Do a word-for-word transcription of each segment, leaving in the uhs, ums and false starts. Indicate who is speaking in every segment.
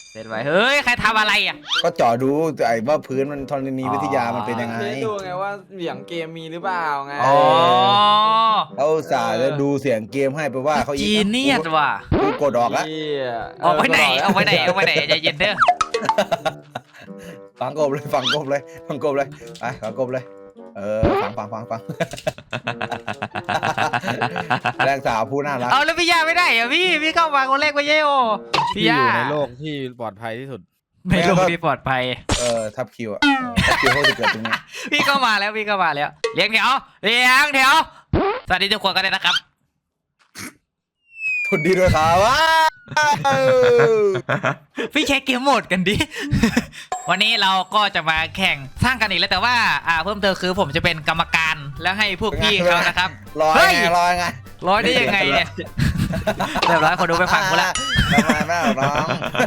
Speaker 1: เสร็จไว้เฮ้ยใครทำอะไรอ่ะ
Speaker 2: ก็เจาะดูไอ้ว่าพื้นมันธรณีวิทยามันเป็นยังไง
Speaker 3: ดูไงว่าเสียงเกมมีหรือเปล่าไง
Speaker 1: อ๋อ
Speaker 2: เขาสาจะดูเสียงเกมให้ไปว่าเขา
Speaker 1: จีเนียสว่ะ
Speaker 2: กูกดออกแล้ว
Speaker 1: ออกไปไหนออกไปไหนออกไปไหนใจเย็นเด้อ
Speaker 2: ฟังกบเลยฟังกบเลยฟังกบเลยไปฟังกบเลยเออฟังฟังฟังฟังแรงสาวผู้น่ารัก
Speaker 1: เอาแล้วพี่ยาไม่ได้เหรอพี่พี่เข้ามาคนแรกไปเย่โอพี่ยา
Speaker 4: อยู่ในโลกที่ปลอดภัยที่สุด
Speaker 1: ในโลกที่ปลอดภัย
Speaker 2: เออทับคิวอ่ะทับคิวเขาจะเกิดตรงนี้
Speaker 1: พี่เข้ามาแล้วพี่เข้ามาแล้วเลี้ยงแถวเลี้ยงแถวสวัสดีทุกคนกันเลยนะครับ
Speaker 2: ทุนดีด้วยครับว้า
Speaker 1: พี่เช็คเกมโหมดกันดิวันนี้เราก็จะมาแข่งสร้างกันอีกแล้วแต่ว่าอ่าเพิ่มเติมคือผมจะเป็นกรรมการแล้วให้พวกพี่เขานะครับ
Speaker 2: ลอยไงลอยไง
Speaker 1: ร้อยได้ยังไงเนี่ยเรียบร้อยคนดูไปฟังกูละ
Speaker 2: ทำไมแม่น้อง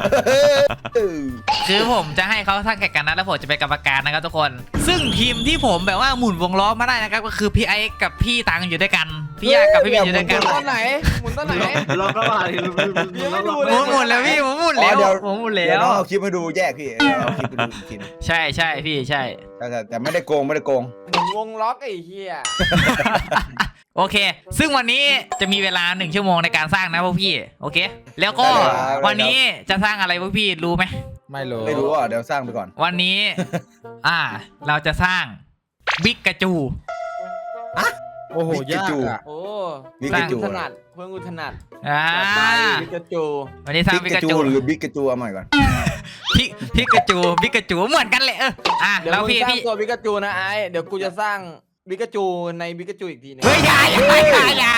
Speaker 1: คือผมจะให้เขาสร้างแข่งกันนะแล้วผมจะเป็นกรรมการนะครับทุกคนซึ่งทีมที่ผมแบบว่าหมุนวงล้อมาได้นะครับก็คือพี่ไอ้กับพี่ตังอยู่ด้วยกันพี่ยากับพี่บินอยู่ด้วยกัน
Speaker 3: ตอนไหนหมุนตอนไหน
Speaker 5: เราก็มาดิ
Speaker 1: หมุนหมุนแล้วพี่ผมหมุนแล้วผมหมุนแล้ว
Speaker 2: เอาคลิปมาดูแยกพี่เอาคลิปมาดูกิน
Speaker 1: ใช่ใช่พี่ใช่
Speaker 2: แต่แต่ไม่ได้โกงไม่ได้โกง
Speaker 3: หมุนวงล็อกไอ้เหี้ย
Speaker 1: โอเคซึ่งวันนี้จะมีเวลาหนึ่งชั่วโมงในการสร้างนะพวกพี่โอเคแล้วก็วันนี้จะสร้างอะไรพวกพี่รู้ไหม
Speaker 4: ไม่รู้
Speaker 2: ไม่รู้อ่ะเดี๋ยวสร้างไปก่อน
Speaker 1: วันนี้อ่าเราจะสร้างบิ๊กกระจู
Speaker 2: อะ
Speaker 4: โอ้โหยากอ่ะ
Speaker 3: โอ้บิ๊กกระจูถนัดเพื่อนกูถนัด
Speaker 1: อ่า
Speaker 3: บิ๊กกระจู
Speaker 1: วันนี้สร้างบิ๊กกระจู
Speaker 2: หรือบิ๊กกระจูเอาใหม่ก่อน
Speaker 1: พี่พี่กระจูบิ๊กกระจูเหมือนกันเลยเอออ่ะแล้วพี่พี่
Speaker 3: ตัวบิ๊กกระจูนะไอ้เดี๋ยวกูจะสร้างบิ๊กกระจูในบิ๊กกระจูอีกทีนึง
Speaker 1: เฮ้ยอย่าอย่าอย่าอย่า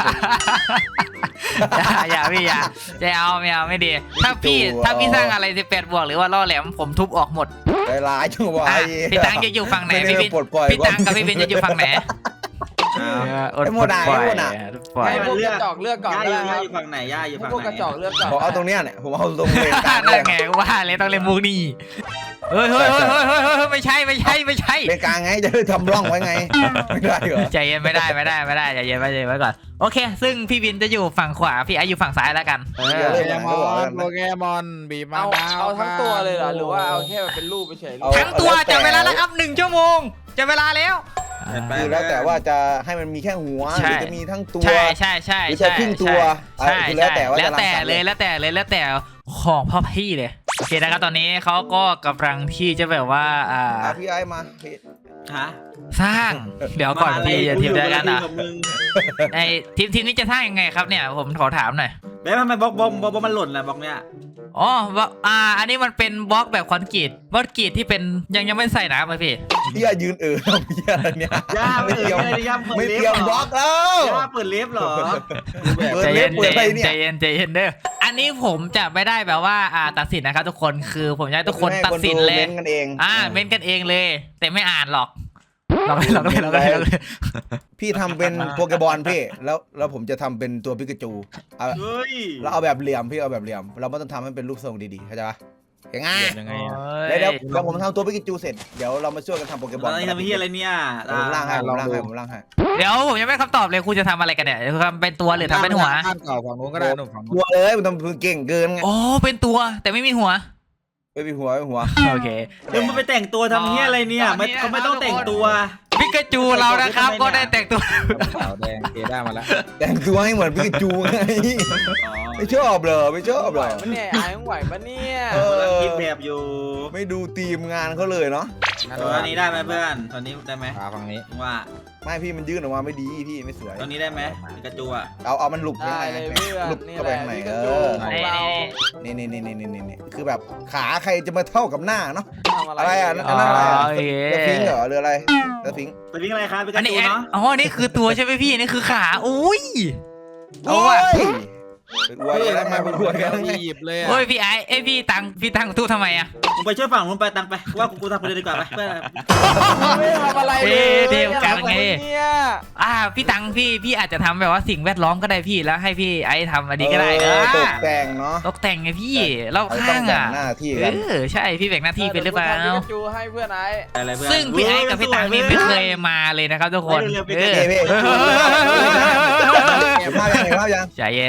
Speaker 1: อย่าพี่อย่าจะเอาไม่เอาไม่ดีถ้าพี่ถ้าพี่สร้างอะไรสิบแปดบวกหรือว่าล่อแหลมผมทุบออกหมด
Speaker 2: ใจร้ายจังวะ
Speaker 1: พี่ตังจะอยู่ฝั่งไหนพี่พี่พี่ตังกับพี่เบนจะอยู่ฝั่งไหน
Speaker 2: ไอ้โมดาไอ้โมดา
Speaker 3: ให้พวกกระจอกเลือกก่อน
Speaker 5: ย่าอยู่ฝั่งไหนย่าอยู่ฝั่งไหน
Speaker 3: พวกกระจอกเลือกก่อน
Speaker 2: ผมเอาตรงเนี้ยเนี่ยผมเอาตรงเลนกลาง
Speaker 1: นั่นไงว่าเลยต้องเล่นมุกนี่เฮ้ยเฮ้ยเฮ้ยเฮ้ยเฮ้ยไม่ใช่ไม่ใช่ไม่ใช่
Speaker 2: เลนกลางไงจะได้ทำร่องไว้ไงไม่ได้เหรอ
Speaker 1: ใจเย็นไม่ได้ไม่ได้ไม่ได้ใจเย็นไม่ใจเย็นไว้ก่อนโอเคซึ่งพี่วินจะอยู่ฝั่งขวาพี่ไออยู่ฝั่งซ้ายแล้วกัน
Speaker 4: โปเกมอนโปเกมอนบีมา
Speaker 3: เอาเอาทั้งตัวเลยเหรอหรือว่าเอาแค่เป็นรูปเฉย
Speaker 1: ทั้งตัวจับเวลาแล้วครับหนึ่งชั่วโมงจับเวลาแล้ว
Speaker 2: คือแล้วแต่ว่าจะให้มันมีแค่หัวหรือจะมีทั้งตัว
Speaker 1: ใช่ใช่ใช่
Speaker 2: หรือจะครึ่งตัว
Speaker 1: ใช่แล้วแต่แล้วแต่เลยแล้วแต่เลยแล้วแต่ของพ่อพี่เลยโอเคนะครับตอนนี้เขาก็กำลังที่จะแบบว่าอ่า
Speaker 2: พี่ไอ้มา
Speaker 5: ฮะ
Speaker 1: สร้างเดี๋ยวก่อนพี่อย่าทีมเดียวกันอ่ะไอทีมทีมนี้จะสร้างยังไงครับเนี่ยผมขอถามหน่อย
Speaker 5: แม่ทำไมบล็อกบล็อกบล็อกมันหล่นล่ะบล็อกเนี้ย
Speaker 1: อ๋ออ่าอันนี้มันเป็นบล็อกแบบคอนกรีตบล็อกกรีตที่เป็นยังยังไม่ใส่น้ำเลยพี่
Speaker 2: พี่ยืนเออพี่อะไรเนี่ย
Speaker 5: ย่าไม่เตรียม
Speaker 2: ไม่เตรียมบล็อกแล้ว
Speaker 5: ย่าเปิดเล็บหรอ
Speaker 1: ใจเย็นใจเย็นใจเย็นเด้ออันนี้ผมจะไม่ได้แบบว่าอ่าตัดสินนะครับทุกคนคือผมจะให้ทุกคนตัดสินเลยอ่าเม้นกันเองเลยแต่ไม่อ่านหรอกเราเลยเราเลยเราเลย
Speaker 2: พี่ทำเป็นโปเกบอลพี่แล้วแล้วผมจะทำเป็นตัวปิกาจู
Speaker 5: เฮ้ย
Speaker 2: เราเอาแบบเหลี่ยมพี่เอาแบบเหลี่ยมเราไม่ต้องทำให้เป็นรูปทรงดีๆเข้าใจปะง่าย
Speaker 4: ยังไง
Speaker 2: เดี๋ยวเดี๋ยวผมทำตัวปิกาจูเสร็จเดี๋ยวเรามาช่วยกันทำโปเกบอล
Speaker 5: ทำที่อะไรเนี่ย
Speaker 2: ผมล่างให้ผมล่างให้ผมล่างให้
Speaker 1: เดี๋ยวผมยังไม่คำตอบเลยคุณจะทำอะไรกันเนี่ยทำเป็นตัวหรือทำเป็นหัว
Speaker 4: เก่าฝั่งนู้นก็ได้หนุ่มฝั่งนู้น
Speaker 2: ตัวเลยมันทำเก่งเกินไง
Speaker 1: อ๋อเป็นตัวแต่ไม่มีหัว
Speaker 2: ไม่มีหัวไม่หัว
Speaker 1: โอเค
Speaker 5: เดี๋ยวมันไปแต่งตัวทำที่อะไรเนี่ยไม่เขาไม่ต้องแต่งตัว
Speaker 1: ปิกาจูเรานะครับก็ได้แต่งตัว
Speaker 4: ขาวแดงเกด้ามาแล้ว
Speaker 2: แต่งตัวให้เหมือนปิกาจูไงไม่ชอบเลยไม่ชอบเลย
Speaker 3: มันเนี่ยไอ้ไหวปะเนี่ย
Speaker 5: คิดแบบอยู่
Speaker 2: ไม่ดูทีมงานเขาเลยเนาะ
Speaker 5: ตอนนี้ได้ไหมเพื่อนตอนนี้ได้ไหม
Speaker 4: ฝั่งนี้
Speaker 5: ว่า
Speaker 2: ไม่พี่มันยื่นออกมาไม่ดีพี่ไม่สวย
Speaker 5: ตอนนี้ได้ไหมปิกาจูอ่ะ
Speaker 2: เอาเอามันหลุดข้างในหลุดเข้าไปข้างในเออนี่นี่นี่นี่นี่นี่คือแบบขาใครจะมาเท่ากับหน้าเนาะอะไรอ่ะนั่นอะไรจะฟิงเหรอหรืออะไรจะฟิง
Speaker 5: จะฟิงอะไรครับปิกาจูเนาะ
Speaker 1: อ๋อนี่คือตัวใช่ไหมพี่นี่คือขาอุ้ย
Speaker 2: โอ้ยเป็นอวยกันทำไมเป็นอวยกัน
Speaker 4: หยิบเลย
Speaker 1: โอ้ยพี่ไอ้ไอพี่ตังพี่ตังตู้ทำไมอ่ะ
Speaker 5: มึงไปช่วยฝั่งมึงไปตังไปว่ากูทำคนเดียวดีกว่าไปเพื่อน
Speaker 3: ไม่ทำอะไร
Speaker 1: เดียวกันไงอ่าพี่ตังพี่พี่อาจจะทำแบบว่าสิ่งแวดล้อมก็ได้พี่แล้วให้พี่ไอ้ทำอันนี้ก็ได้
Speaker 2: ตกแต่งเนาะ
Speaker 1: ตกแต่งไงพี่เราข้างอ่ะเออใช่พี่แบ่งหน้าที่เป็นหรือเปล่า
Speaker 3: จูให้เพื่อนไอ้
Speaker 1: ซึ่งพี่ไอ้กับพี่ตังนี่ไม่เคยมาเลยนะครับทุกคนใจเย็นใจเย็น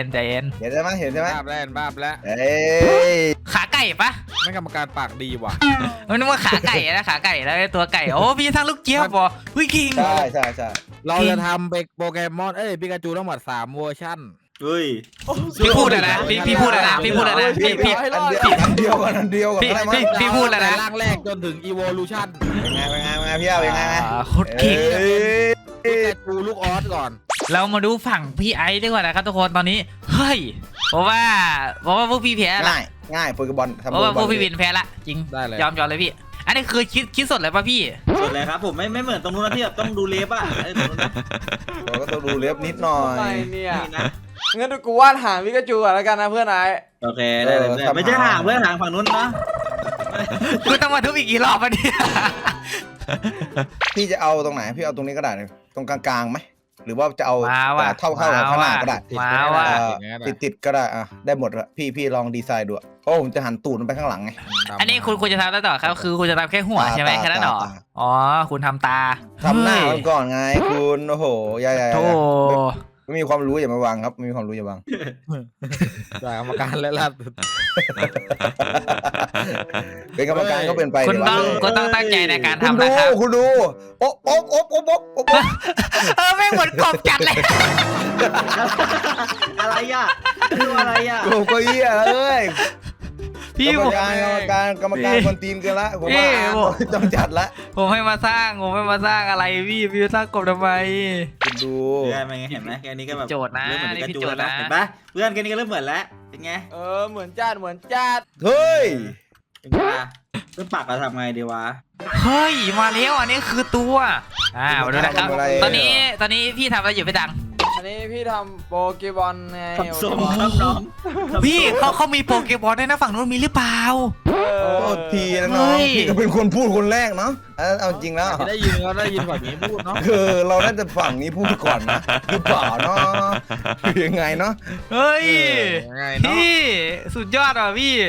Speaker 2: เห็นใช่ไหมเห็นใช่ไหม
Speaker 4: บ้าบแล้วบ้าบแล้ว
Speaker 2: เอ้ย
Speaker 1: ขาไก่ปะ
Speaker 4: ไม่กรรมการปากดีว่ะ
Speaker 1: มันนึกว่าขาไก่นะขาไก่แล้วตัวไก่โอ้พี่สร้างลูกเจี๊ยบบ่วิคิง
Speaker 2: ใช่ใช่ใช่
Speaker 4: เราจะทำเป็นโปเกมอนเอ้ยปิกาจูทั้งหมดสามเวอร์ชัน
Speaker 5: เฮ้ย
Speaker 1: พี่พูดเลยนะพี่พี่พูดเลยนะพี่พูดเลยนะพี่พี่
Speaker 2: อันเดียวอันเดียวกันอันเดียวกัน
Speaker 1: พี่
Speaker 2: อะไรมั้
Speaker 1: พี่พี่พูดเลยนะ
Speaker 4: ร่างแรกจนถึง evolution
Speaker 2: เป็นไงเป็นไงเป็นไงพี่เอาเป็นไง
Speaker 1: อ่าโคตรเก่ง
Speaker 4: ปิกาจูลูกออสก่อน
Speaker 1: เรามาดูฝั่งพี่ไอซ์ดีกว่านะครับทุกคนตอนนี้เฮ้ยเพราะว่าเพราะว่าพวกพี่แพ้ละ
Speaker 2: ง่ายง่ายโปเกบอลทำ
Speaker 1: เพราะว่าพวก
Speaker 2: โปเก
Speaker 1: พี่
Speaker 2: บอล
Speaker 1: วินแพ้ละจริง
Speaker 4: ได้เลย
Speaker 1: ยอมยอมเลยพี่ อันนี้คือคิดคิดสดเลยป่ะพี่
Speaker 5: สุดเลยครับผมไม่ไม่เหมือนตรงนู้นนะที่แบบต้องดูเล็บอ่ะไอ้ตรงนู้นนะ
Speaker 2: เราก็ต้องดูเล็บนิดหน่อย
Speaker 3: ทำไมเนี่ย
Speaker 5: นี่นะ
Speaker 3: งั้นกูวาดหางพิกาจูก่อนแล้วกันนะเพื่อนไอ้
Speaker 5: โอเคได้เลยเพื่อนไม่ใช่ห่างเพื่อนห่างฝั่งนู้นนะ
Speaker 1: คือต้องมาทุบอีกกี่รอบวะเนี่ย
Speaker 2: พี่จะเอาตรงไหนพี่เอาตรงนี้ก็ได้นะตรงกลางๆไหมหรือว่าจะเอา
Speaker 1: มาว่ะ
Speaker 2: เท่าเท่ากับข้างหน้าก็ได้
Speaker 1: มาว่ะ
Speaker 2: เออติดติดๆก็ได้อ่ะได้หมดละพี่พี่ลองดีไซน์ดูอะเพราะผมจะหันตูดมันไปข้างหลังไง
Speaker 1: อันนี้คุณคุณจะทำได้ต่อครับคือคุณจะทำแค่หัวใช่ไหม
Speaker 2: ตา
Speaker 1: แค่นั้นเหรอ
Speaker 2: ตา
Speaker 1: อ๋อคุณทำตา
Speaker 2: ทำหน้า
Speaker 1: เฮ้
Speaker 2: มั
Speaker 1: ย
Speaker 2: นก่อนไงคุณโอ้โหอย่าอย่าอย่า
Speaker 1: โธ่
Speaker 2: ไม่มีความรู้อย่ามาวางครับไม่มีความรู้อย่าวาง
Speaker 4: จากกรรมการและล่าสุด
Speaker 2: เป็นกรรมการก็เป็นไป
Speaker 1: คุณ
Speaker 2: ดีวะ
Speaker 1: ต้อง
Speaker 2: เฮ้ย
Speaker 1: คุณต้องตั้งใจในการ
Speaker 2: คุณ
Speaker 1: ทำ
Speaker 2: ดู
Speaker 1: นะครับ
Speaker 2: คุณดูโอ๊บโอ๊บโอ๊บโอ๊บโอ๊บโอ๊บโอ๊บ
Speaker 1: เออไม่เหมือนกบจัดเลย
Speaker 5: อะไรอ่ะดูอะไรอ่ะ
Speaker 2: โอ้ก็เหี้ยเอ้ย
Speaker 1: พี่
Speaker 2: กรร
Speaker 1: ผม ม
Speaker 2: การกรรมการกรรมการคนตีนกันละผมว่า
Speaker 1: พี่ผม
Speaker 2: ต้องจัดละ
Speaker 1: ผมให้มาสร้างผมให้มาสร้างอะไรพี่พี่สร้างกบทำไม
Speaker 2: คุณดู
Speaker 5: เพื่อนเป็นไงเห็นไหมแค่นี้ก็แบบ
Speaker 1: โจทย์นะ
Speaker 5: เริ่มเหมือน
Speaker 1: นี่
Speaker 5: กระ
Speaker 1: พี่
Speaker 5: จู
Speaker 1: โจ
Speaker 5: แล้ว
Speaker 1: ทย์นะ
Speaker 5: นะเห็นปะเพื่อนแค่นี้ก็เริ่มเหมือนแล้วเป็นไง
Speaker 3: เออเหมือนจัดเหมือนจัด
Speaker 2: เฮ้ย
Speaker 5: เป็นไงล่ะเพื่อนปากเราทำไงดีวะ
Speaker 1: เฮ้ยมาแล้วอันนี้คือตัวอ่ามาดูนะครับ
Speaker 2: ทำอะไร
Speaker 1: ตอนนี้ตอนนี้พี่ทำอะไรอยู่พี่ตัง
Speaker 3: อันนี้พี่ทำโปเกบอลไง
Speaker 5: ทำทรงครับน้อง
Speaker 1: พี่เขาเขามีโปเกมอนด้วยนะฝั่งนู้นมีหรือเปล่า
Speaker 3: เออ
Speaker 2: โทษทีนะ
Speaker 1: เฮ้
Speaker 2: น้อง
Speaker 1: ย
Speaker 2: พี่ก็เป็นคนพูดคนแรกเนาะเอาเอาจริงแล้ว
Speaker 4: ได้ยินก็ได้ยินแบบนี้พูดเนาะ
Speaker 2: คือเราน่าจะฝั่งนี้พูดก่อนนะหรือเปล่าเนาะยังไงเนาะ
Speaker 1: เฮ้ย
Speaker 4: ยังไงเนาะ
Speaker 1: พี่สุดยอดอ่ะพี่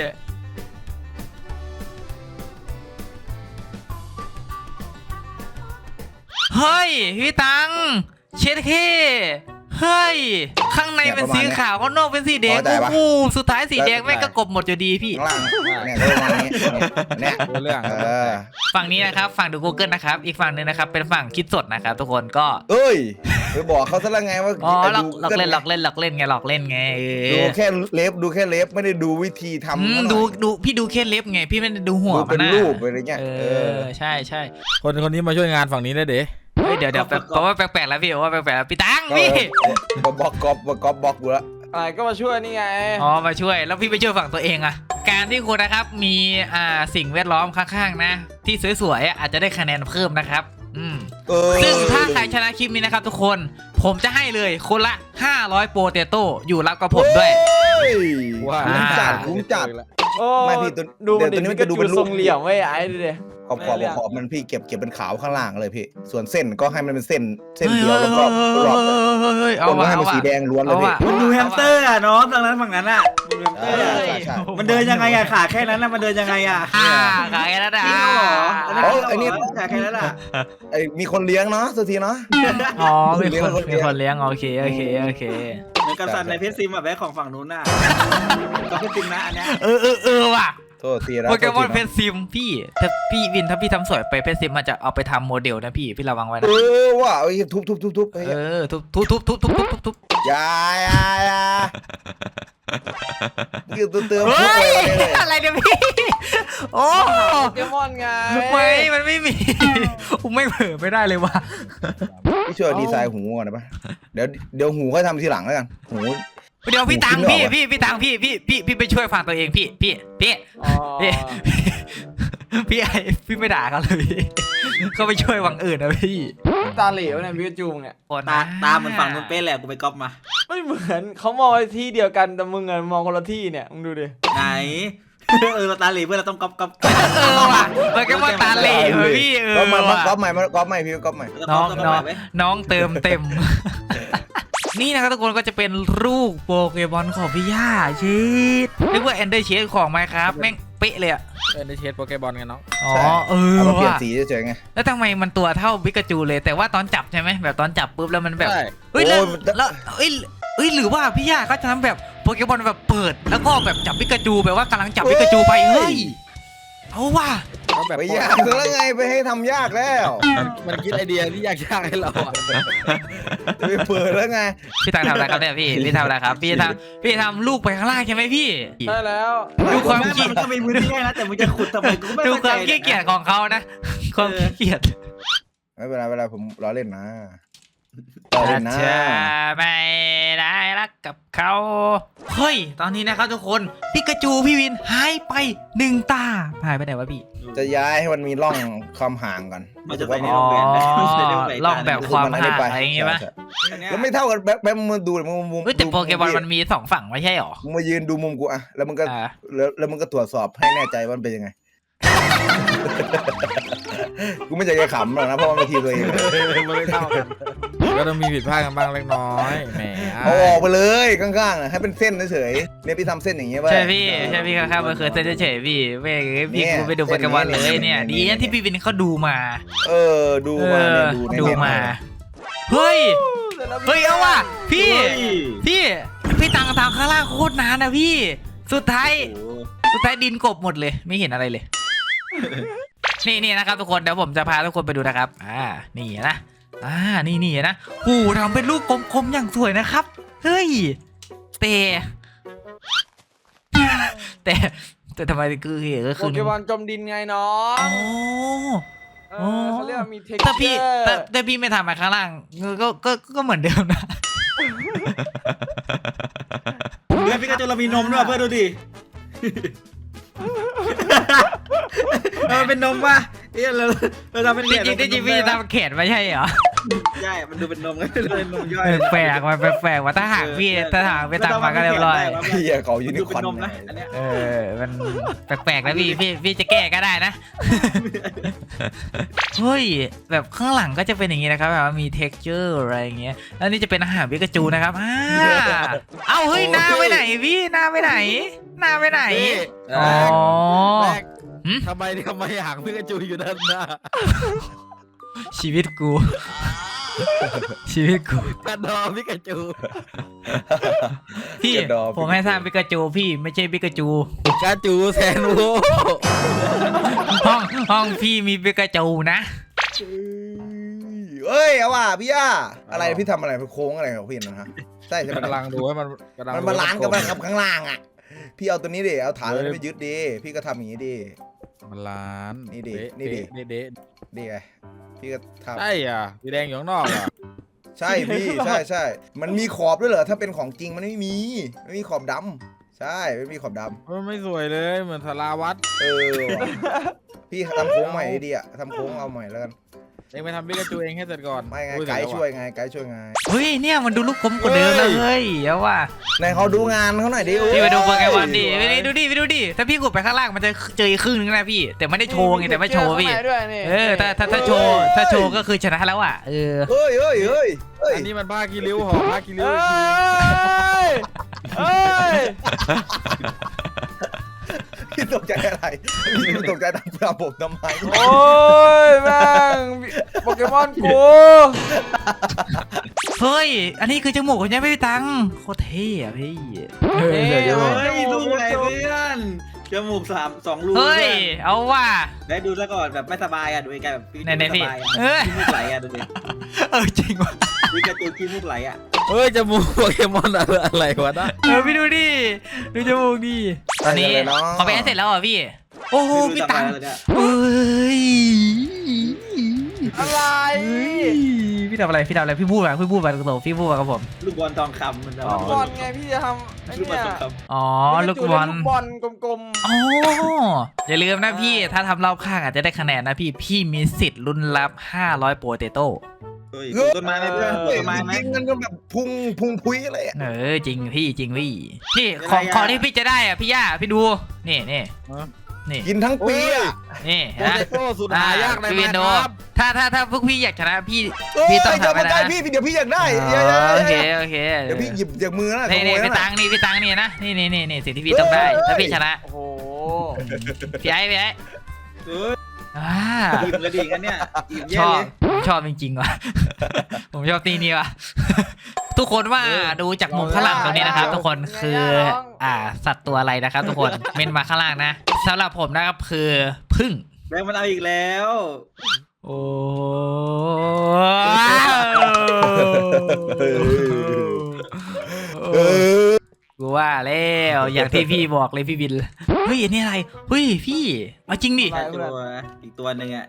Speaker 1: เฮ้ยพี่ตังเช็ดเคเฮ้ยข้างในเป็นสีขาวข้างนอกเป็นสีแดงโอ้โหสุดท้ายสีแดงแม่งก็กลบหมดอยู่ดีพี่
Speaker 2: ข้างล่างเนี่ยเรื่องประมาณนี้เนี่ย
Speaker 4: รู้เรื่อง
Speaker 2: เออ
Speaker 1: ฝั่งนี้นะครับฝั่งดู Google นะครับอีกฝั่งหนึงนะครับเป็นฝั่งคิดสดนะครับทุกคนก็
Speaker 2: เอ้ยไปบอกเขาซะแล้วไงว่า
Speaker 1: อ๋อหลอก
Speaker 2: ดู
Speaker 1: หลอกเล่นหลอกเล่นหลอกเล่นไงหลอกเล่นไงเอ
Speaker 2: ดู
Speaker 1: อ
Speaker 2: แค่เล็บดูแค่เล็บไม่ได้ดูวิธีทำ
Speaker 1: อืม
Speaker 2: เขาหน่อย
Speaker 1: ดูดูพี่ดูแค่เล็บไงพี่ไม่ได้ดูหัว
Speaker 2: ดู
Speaker 1: มั
Speaker 2: เป็น น
Speaker 1: นะ
Speaker 2: รูปอะไรเงี้ย
Speaker 1: เอ
Speaker 2: เอ
Speaker 1: อ
Speaker 2: อ
Speaker 1: ใช่ใช่
Speaker 4: คนคนนี้มาช่วยงานฝั่งนี้ได้เด้
Speaker 1: เฮ้ยเดี๋ยวเดี๋ยวแปลกเพราะว่าแปลกๆแล้วพี่ว่าแปลกๆแล้วพี่ตัง
Speaker 2: ก็
Speaker 1: พี่
Speaker 2: ก็บล็อกก๊อปก๊อปบล็อกดูแล้ว
Speaker 3: อะไรก็มาช่วยนี่ไง
Speaker 1: อ๋อมาช่วยแล้วพี่ไปช่วยฝั่งตัวเองอะการที่คุณนะครับมีอ่าสิ่งแวดล้อมข้างๆนะ ที่สวยๆอะอาจจะได้คะแนนเพิ่มนะครับอืม
Speaker 2: เออ
Speaker 1: ซึ่งถ้าใครชนะคลิปนี้นะครับทุกคนผมจะให้เลยคนละห้าร้อยโปเตโต้อยู่รับกับผมด้วย
Speaker 2: เฮ้ย
Speaker 4: ว่า
Speaker 2: คุ้มจัดคุ้มจัด
Speaker 3: โอ้
Speaker 2: ไม่พี่ตัว
Speaker 3: ดูมัน
Speaker 2: เดี๋
Speaker 3: ดิ
Speaker 2: ยวตัวนี้มัน
Speaker 3: พิ
Speaker 2: จะ
Speaker 3: กา
Speaker 2: ดู
Speaker 3: จู
Speaker 2: เป็นรูป
Speaker 3: ทรงเหลี่ยมไว้ไอ้ดูดิ
Speaker 2: ขอบขอบขอบมันพี่เก็บเก็บเป็นขาวข้างล่างเลยพี่ ส่วนเส้นก็ให้มันเป็นเส้นเส้นเดียวแล้วก็รอบ
Speaker 1: เฮ้ย
Speaker 2: ค
Speaker 1: เอา
Speaker 2: นก็
Speaker 1: ว่ะ
Speaker 2: ให้
Speaker 1: เอา
Speaker 2: มัน
Speaker 1: ว่ะ
Speaker 2: สีแดงล้วนเลย
Speaker 1: เอา
Speaker 2: พี่
Speaker 1: ว่ะ
Speaker 5: มันดูแฮมสเตอร์อ่ะน้องตรงนั้นฝั่งนั้นอ่ะดูแฮมสเตอร์
Speaker 2: ใช่
Speaker 5: อ่ะ
Speaker 2: ใช่ใช่
Speaker 5: มันเดินยังไงอ่ะขาแค่นั้นน่ะมันเดินยังไงอ่ะ
Speaker 1: อ่าขายแล้วนะ
Speaker 5: จริงเหรออันนั้น
Speaker 2: โอ้
Speaker 5: จริง
Speaker 2: ไอ้นี่
Speaker 5: เหรอขาแค่นั้นอ่ะ
Speaker 2: ไอ้มีคนเลี้ยงเนาะสุทีเนาะ
Speaker 1: อ๋อมีคน
Speaker 2: มี
Speaker 1: มี
Speaker 2: คน
Speaker 1: คนเลี้ยงโอเคโอเคโอเค
Speaker 5: เหมือนกับสัตว์ในเพชรซิมอ่ะแบ็คของฝั่งนู้นน่ะก็เพชรซิมนะอันเนี้ย
Speaker 1: เออเออเออว่ะ
Speaker 2: โทษทีนะ
Speaker 1: โปเกมอน
Speaker 2: โทษ
Speaker 1: เพ
Speaker 2: ทีนะ
Speaker 1: ชรซิมพี่ถ้าพี่วินถ้าพี่ทำสวยไปเพชรซิมมันจะเอาไปทำโมเดลนะพี่พี่ระวังไว้
Speaker 2: เอ
Speaker 1: นะ
Speaker 2: อว่ะไอ้ทุบทุบทุบทุบ
Speaker 1: เออทุบทุบทุบทุบทุบทุบทุบทุบ
Speaker 2: ยายายาคือตัวเติมทุบ
Speaker 1: เฮ้
Speaker 2: เลย
Speaker 1: ยอะไรเนี่ยพี่โอ้
Speaker 3: โปเกมอนไง
Speaker 1: ไม่มันไม่มีผมไม่เผลอไม่ได้เลยว่ะ
Speaker 2: พี่ช่วยดีไซน์หูก่อนได้ปะเดี๋ยวเดี๋ยวหูค่อยทำทีหลังแล้วกันหู
Speaker 1: เดี๋ยวพี่ตัง
Speaker 2: ผมคิด
Speaker 1: พี่
Speaker 2: ไม่ออก
Speaker 1: พี่พี่ตังพี่พี่พี่พี่ไปช่วยฟังตัวเองพี่พี่พี่
Speaker 3: อ๋อ
Speaker 1: พี่พี่ไอพี่ไม่ด่าเขาเลยพี่เขาไปช่วยวังอื่นนะพี่
Speaker 3: ตาเหลวเนี่ยพิกาจูเนี่ย
Speaker 5: ตาตาเหมือนฝั่งนู้นเป๊ะแหละกูไปก๊อปมา
Speaker 3: ไม่เหมือนเขามองไปที่เดียวกันแต่มึงอะมองคนละที่เนี่ยมึงดูดิ
Speaker 5: ไหนเออเราตาเหล่เพื่อนเราต้องก๊อปก๊อป
Speaker 1: เออว่ะมันก็ว่าตาเหล่เว้ยพี่เออ
Speaker 2: ก็มา
Speaker 1: ว่ะ
Speaker 2: ก๊อปใหม่มาก๊อปใหม่พี่ก๊อปใหม่
Speaker 1: น้อง
Speaker 5: ก๊
Speaker 1: น้
Speaker 5: อ
Speaker 1: อ
Speaker 5: ป
Speaker 1: ง
Speaker 5: ไว้
Speaker 1: น้องเติมเต็ม นี่นะครับทุกคนก็จะเป็นรูปโปเกมอนของพี่ย่าชีดนึกว่าแอนเดอร์เชดของไหมครับแม่งเป๊ะเลยอะ
Speaker 4: เอ็นได้เชสโปเกมอนกันเนาะ
Speaker 1: อ๋อเออ
Speaker 2: เอามาเปลี่ยน
Speaker 1: ว่ะ
Speaker 2: สีเฉยๆไง
Speaker 1: แล้วทำไมมันตัวเท่าบิกาจูเลยแต่ว่าตอนจับใช่ไหมแบบตอนจับปุ๊บแล้วมันแบบ
Speaker 4: ใช่
Speaker 1: เฮ้ยแล้ว
Speaker 2: โอ้ยมันจะ
Speaker 1: แล้วเอ้ยเอ้ยหรือว่าพี่ย่าเขาจะทำแบบโปเกมอนแบบเปิดแล้วก็แบบจับปิกาจูแบบว่ากำลังจับปิกาจูไปเฮ้ยเอาว่ะ
Speaker 4: ก็แบบ
Speaker 2: ไปยากแล้วไงไปให้ทำยากแล้ว
Speaker 4: มันคิดไอเดียที่ยากๆให้เราอะ
Speaker 2: ไปเปิดแล้วไง
Speaker 1: พี่ตังทำอะไรครับเนี่ยพี่พี่ทำอะไรครับพี่ทำพี่ทำลูกไปข้างล่างใช่ไหมพี่
Speaker 3: ได้แล้ว
Speaker 1: ดูความ
Speaker 5: แม่
Speaker 1: ขี้
Speaker 5: มันก็มีพื้นที่ให้นะแต่มึงจะขุดทำไมกูไม่
Speaker 1: ดู
Speaker 5: เข้า
Speaker 1: ค
Speaker 5: ใจ
Speaker 1: วามขี้เกียจของเขานะความขี้เกียจ
Speaker 2: ไม่เป็นไรไม่เป็นไรผมล้อเล่นนะล้อเล่นนะ
Speaker 1: จะไม่ได้รักกับเขาเฮ้ยตอนนี้นะครับทุกคนปิกาจูพี่วินหายไปหนึ่งตาหายไปไหนวะพี่
Speaker 2: จะย้ายให้มันมีร่องความห่างก่อน
Speaker 5: มันจะไปใน
Speaker 1: อ๋
Speaker 5: โร
Speaker 1: อง
Speaker 5: แรมนะมันจะได้ไป
Speaker 1: ลองแบบความห่าง
Speaker 2: ไป
Speaker 1: อะไรอย่างงี้ปะ
Speaker 2: ใช่
Speaker 5: อันเนี้ย
Speaker 2: แล้วไม่เท่ากันแบบแบบมึงดูเลยมึงมึง
Speaker 1: เฮ้ยแต่โปเกมอนมันมีสองฝั่งไม่ใช่หรอ
Speaker 2: มึงมายืนดูมุมกูอะแล้วมึงก็
Speaker 1: อ่า
Speaker 2: แล้วแล้วมึงก็ตรวจสอบให้แน่ใจว่ามันเป็นยังไง กูไม่อยากจะขำหรอกนะเพราะมันเป็นทีมตัวเอง
Speaker 4: มันไม่เท่ากันก็ต้องมีผิดพลาดกันบ้างเล็กน้อยแหม
Speaker 2: เอาออกไปเลยข้างๆนะให้เป็นเส้นเฉยๆเนี่ยพี่ทำเส้นอย่างเงี้ยไว้
Speaker 1: ใช่พี่ใช่พี่ข้างๆมันเคยเส้นเฉยๆพี่เว้ยพี่
Speaker 2: เนี่ย
Speaker 1: กูไปดูโปเกมอนเลย
Speaker 2: เส้นนี้
Speaker 1: เนี่ย
Speaker 2: เนี่
Speaker 1: ดี
Speaker 2: ย
Speaker 1: นะที่พี่วินเขาดูมา
Speaker 2: เออดู
Speaker 1: เอ
Speaker 2: มา
Speaker 1: อ
Speaker 2: เนี่ยดูใน
Speaker 1: ดู
Speaker 2: เน็ต
Speaker 1: มา
Speaker 2: เลย
Speaker 1: เฮ้ยเฮ้ยเอาว่ะพี่
Speaker 5: เฮ้ย
Speaker 1: พี่พี่ตังทางข้างล่างโคตรนานนะพี่ สุดท้าย
Speaker 5: โอ้โห
Speaker 1: สุดท้ายดินกบหมดเลยไม่เห็นอะไรเลย นี่นี่นะครับทุกคนเดี๋ยวผมจะพาทุกคนไปดูนะครับอ่านี่นะอ่านี่นี่นะโอ้ทำเป็นลูกกลมๆอย่างสวยนะครับเฮ้ยแต่แต่แต่ทำไมคือเหตุก็
Speaker 3: โป
Speaker 1: คือ
Speaker 3: เกมอนจมดินไงน้อง
Speaker 1: อ๋อ
Speaker 3: เออเขาเรียกว่ามีเทค
Speaker 1: แต่
Speaker 3: เจ
Speaker 1: พี่
Speaker 3: อ
Speaker 1: แต่
Speaker 3: ร์
Speaker 1: แต่พี่ไม่ทำมาข้างล่างก็ก็ก็เหมือนเดิมนะ
Speaker 5: เพื่อนพี่ก็จะเรามีนมด้วยเพื่อนดูดิเออเป็นนมป่ะเอ้ยเราเราทำเป็น
Speaker 1: จ
Speaker 5: แข
Speaker 1: ริ
Speaker 5: น
Speaker 1: งๆจริงๆพี่จะทำแขนไม่ใช่เหรอ
Speaker 5: ใช่มันดูเป็นนมไงเป็นนมย่อย
Speaker 1: แปลกๆมันแปลกๆว่าถ้าหากพี่ถ้าหากไปทำมาก็เรียบร้อย
Speaker 2: เฮียเขายูนิ
Speaker 5: ดู
Speaker 2: ค
Speaker 5: เป็
Speaker 2: อร์
Speaker 5: นนม
Speaker 2: น
Speaker 5: นะอันเนี้ย
Speaker 1: เออ มันแปลกๆนะพี่ พี่ พี่จะแก้ก็ได้นะ เฮ้ย แบบข้างหลังก็จะเป็นอย่างนี้นะครับแบบว่ามี texture อะไรอย่างเงี้ย แล้วนี่จะเป็นอาหารปิกาจูนะครับอ่าเอ้า เฮ้ย หน้าไปไหนพี่ หน้าไปไหน หน้าไปไหน อ๋อ
Speaker 4: แรก
Speaker 1: หืม
Speaker 4: ทำไมทำไมหางพิกาจูอยู่ด้านหน้า
Speaker 1: ชีวิตกู ชีวิตกู
Speaker 4: กระดอพิกาจู
Speaker 1: พี่ ผมให้สร้างปิกาจูพี่ไม่ใช่ปิกาจู
Speaker 4: พิกาจูแซนโว
Speaker 1: ห้องห้องพี่มีปิกาจูนะ
Speaker 2: เอ้ยเอาว่ะพี่ย่าอะไรพี่ทำอะไรโค้งอะไรของพี่นะฮะใช่ใช่ไหม
Speaker 4: กำลังดูให้มันกำลัง
Speaker 2: มันบาลานซ์กันนะครับข้างล่างอ่ะพี่เอาตัวนี้ดิเอาฐานตัวนี้ไปยึดดิพี่ก็ทำอย่างนี้ดิ
Speaker 4: มันล้าน
Speaker 2: นี่ดิ
Speaker 4: เะ
Speaker 2: นี่ดิ
Speaker 4: เดะเดะ
Speaker 2: ดีไงพี่ก็ทำ
Speaker 4: ใช่อ่ะสีแดงอยู่ข้างนอกอ่ะ
Speaker 2: ใช่พี่ใช่ใช่มันมีขอบด้วยเหรอถ้าเป็นของจริงมันไม่มีไม่มีขอบดำใช่ไม่มีขอบดำ
Speaker 4: มันไม่สวยเลยเหมือนสาราวัด
Speaker 2: เออว่ะพี่ทำโค้งใหม่ดีอ่ะทำโค้งเอาใหม่แล้วกัน
Speaker 4: เองไปทำพิกาจูเองให้เสร็จก่อน
Speaker 2: ไม่ไง
Speaker 4: อุ้
Speaker 2: ไกด์
Speaker 4: เสร็จแล้
Speaker 2: ช่วยไงไกด์ช่วยไง
Speaker 1: เฮ้ยเนี่ยมันดูลูกกลมกว่าเดิมเลยเฮ้ยเอาว่ะ
Speaker 2: ไหนเขาดูงานเขาหน่อยดิ
Speaker 1: พี่ไปดูโปเกมอนดิไปดิดูดิไปดูดิถ้าพี่กดไปข้างล่างมันจะเจออีกครึ่งนึงนะพี่ แต่ไม่ได้โชว์ไงแต่ไม่โชว์พี่
Speaker 3: ข้างในด้วยนี่
Speaker 1: เออถ้าถ้าถ้าโชว์ถ้าโชว์ก็คือชนะแล้วอ่ะเออ
Speaker 2: เฮ้ยเฮ้ยเฮ้ยเฮ้ย
Speaker 4: อันนี้มันผ้ากีริ้วหอผ้ากีริ้ว
Speaker 3: เอ้
Speaker 4: อีกที
Speaker 3: ยเอ้ย
Speaker 2: พี่ตกใจอะไรพี่ตกใจตามเพื่อนผมทำไม
Speaker 3: โอ้ยแม่งโปเกมอนกู
Speaker 1: เฮ้ยอันนี้คือจมูกของยังไม่มีตังค์โคตรเท่อะพี่เออ
Speaker 3: นี่
Speaker 1: เดี๋ยวจะบอก
Speaker 5: เฮ้ยดูไงเพื่อนจมูกสามสองรู
Speaker 1: เฮ้ยเอาว่ะ
Speaker 5: ได้ดูซะก่อนแบบไม่สบายอ่ะดูไอ้แกแบบพี่
Speaker 1: ไหนไหน
Speaker 5: ไม่
Speaker 1: พี่
Speaker 5: สบายอ่ะ
Speaker 1: เอ้ย
Speaker 5: ขี้มูกไหลอ่ะดูดิ
Speaker 1: เออจริงว่ะ
Speaker 5: พี่กระตูนขี้มูกไหลอ่ะ
Speaker 4: เฮ้ยจมูกโปเกมอนอะไรอะไรวะนะ
Speaker 1: เออพี่ดูดิดูจมูกดิตอนนี้เขาไปให้เสร็จแล้วเหรอพี่โอ้โห
Speaker 5: พี่
Speaker 1: พี่
Speaker 5: ดู
Speaker 1: ตังค์
Speaker 5: ทำอะไรเลยเนี่ย
Speaker 1: เอ้ย
Speaker 3: อะไร
Speaker 1: เฮ้ยพี่ทำอะไรพี่ทำอะไรพี่พูดมาพี่พูดมาตรงๆพี่พูดมากับผม
Speaker 5: ลูกบอลทองคำมันจะ
Speaker 1: อ๋อ
Speaker 3: บอลไงพี่จะทำไอ้
Speaker 5: ลูกบอล
Speaker 3: เนี่ย
Speaker 5: ทองค
Speaker 1: อ๋อ
Speaker 3: พี่
Speaker 1: ลูก
Speaker 3: จะ
Speaker 1: บอล
Speaker 3: ลูกบอลกลม
Speaker 1: อ๋ออย่าลืมนะพี่ถ้าทำรอบข้างอาจจะได้คะแนนนะพี่พี่มีสิทธิ์ลุ้นรับห้าร้อยโปเตโต้
Speaker 5: ำเฮ้ยปลูกต้นไม้ไหมเพื่อนปลูกต้นไม้ไหม
Speaker 2: จริงมันก็แบบพุงพุงพุยอะไรอ่ะ
Speaker 1: เออจริงพี่จริงพี่นี่
Speaker 5: อะไร
Speaker 1: ของ
Speaker 5: อ่ะ
Speaker 1: ของที่พี่จะได้อ่ะพี่ย่าพี่ดูนี่นี่นี่
Speaker 2: กินทั้งปีอ่ะ
Speaker 1: นี่
Speaker 4: โป
Speaker 1: นะ
Speaker 4: เตโต้สุดหายากใน
Speaker 1: พี่
Speaker 4: แม
Speaker 1: วิน
Speaker 4: น
Speaker 1: โด
Speaker 4: ครับ
Speaker 1: ถ้าถ้าถ้าพวกพี่อยากชนะพี่
Speaker 2: เอ้ย
Speaker 1: พี่ต้อง
Speaker 2: เดี๋ยว
Speaker 1: ทำไป
Speaker 2: มา
Speaker 1: นะ
Speaker 2: ใกล้พี่เดี๋ยวพี่อยากได้
Speaker 1: อ๋
Speaker 2: เดี๋ยว
Speaker 1: อโอเค
Speaker 2: เดี๋ยว
Speaker 1: โอเค
Speaker 2: เดี๋ยวพี่หยิบจากมือนะข
Speaker 1: นี่
Speaker 2: โม
Speaker 1: นี่
Speaker 2: ย
Speaker 1: พี่
Speaker 2: นะ
Speaker 1: ตังนี่พี่ตังนี่นะนี่นี่นี่นี่สิ่งที่พี่ต้องได้ถ้าพี่ชนะ
Speaker 3: ๆโอ้โห
Speaker 1: พี่ไอ้พี่ไอ้
Speaker 5: เฮ้ย
Speaker 1: อ่า
Speaker 5: อิ่มกระดิ่งกันเนี่ยอิ่ม
Speaker 1: ช
Speaker 5: แย่
Speaker 1: อบ
Speaker 5: เลย
Speaker 1: ชอบจริงๆว่ะ ผมชอบตีนี้ว่ะทุกคนว่าดูจากมุมข้างหลังตรงนี้นะครับ ทุกคนคืออ่าสัตว์ตัวอะไรนะครับ ทุกคนเมนมาข้างล่างนะสำหรับผมนะครับคือพึ่ง
Speaker 5: แบงค์มันเอาอีกแล้ว
Speaker 1: โอ้กูว่าแล้วอย่างที่พี่บอกเลยพี่บินเฮ้ยอันนี้อะไรเฮ้ยพี่เอาจริงดิ
Speaker 5: ตัวอีกตัวหนึ่งอ่ะ